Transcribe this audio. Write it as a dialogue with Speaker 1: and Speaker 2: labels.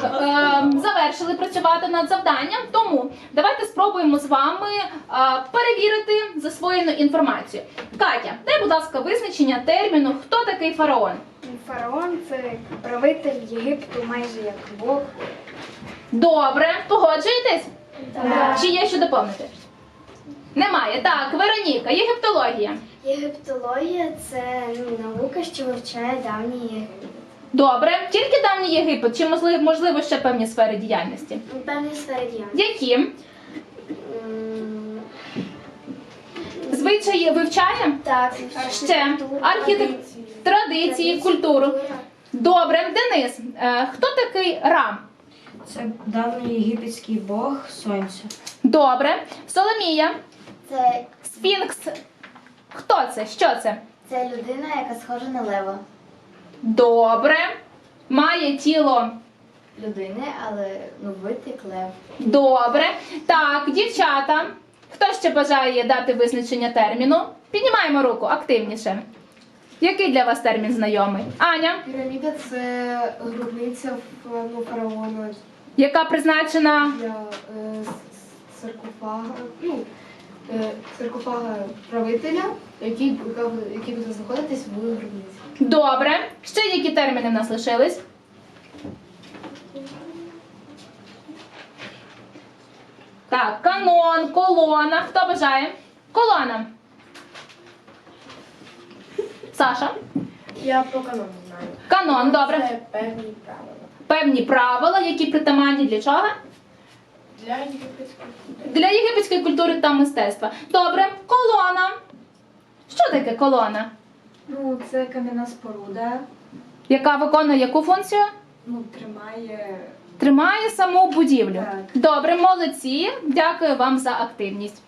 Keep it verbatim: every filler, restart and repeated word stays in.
Speaker 1: е, завершили працювати над завданням, тому давайте спробуємо з вами е, перевірити засвоєну інформацію. Катя, дай, будь ласка, визначення терміну «Хто такий фараон?»
Speaker 2: Фараон – це правитель Єгипту, майже як Бог.
Speaker 1: Добре, погоджуєтесь?
Speaker 2: Так.
Speaker 1: Чи є що доповнити? Немає. Так, Вероніка, єгиптологія.
Speaker 2: Єгиптологія – це ну, наука, що вивчає давній Єгипет.
Speaker 1: Добре, тільки давній Єгипет, чи можливо, можливо ще певні сфери діяльності?
Speaker 2: Певні сфери діяльності.
Speaker 1: Які?
Speaker 2: М,
Speaker 1: Звичаї вивчає?
Speaker 2: Так,
Speaker 1: Ще архітектуру, традиції, культуру. Добре, Денис, е, хто такий Ра?
Speaker 3: Це давній єгипетський бог сонця.
Speaker 1: Добре, Соломія,
Speaker 2: Це,
Speaker 1: Сфінкс. Хто це? Що це?
Speaker 2: це людина, яка схожа на лева.
Speaker 1: Добре. Має тіло.
Speaker 2: Людини, але ну, вид як лев.
Speaker 1: Добре. Так, дівчата. Хто ще бажає дати визначення терміну? Піднімаємо руку активніше. Який для вас термін знайомий? Аня,
Speaker 4: Піраміда – це гробниця ну, фараона
Speaker 1: яка призначена?
Speaker 4: для е, с- саркофага, ну, е, саркофага правителя, який, яка буде- який буде знаходитись в гробниці.
Speaker 1: Добре. Ще які терміни в нас лишились? Так, канон, колона. Хто бажає? Колона. Саша?
Speaker 4: Я про канон знаю.
Speaker 1: Канон, добре.
Speaker 4: Це певні правила.
Speaker 1: Певні правила, які притаманні для чого?
Speaker 4: Для єгипетської
Speaker 1: Для єгипетської культури та мистецтва. Добре, колона. Що таке колона?
Speaker 3: Ну, це кам'яна споруда,
Speaker 1: Яка виконує яку функцію?
Speaker 3: ну, тримає.
Speaker 1: Тримає саму будівлю.
Speaker 3: Так.
Speaker 1: Добре, молодці. Дякую вам за активність.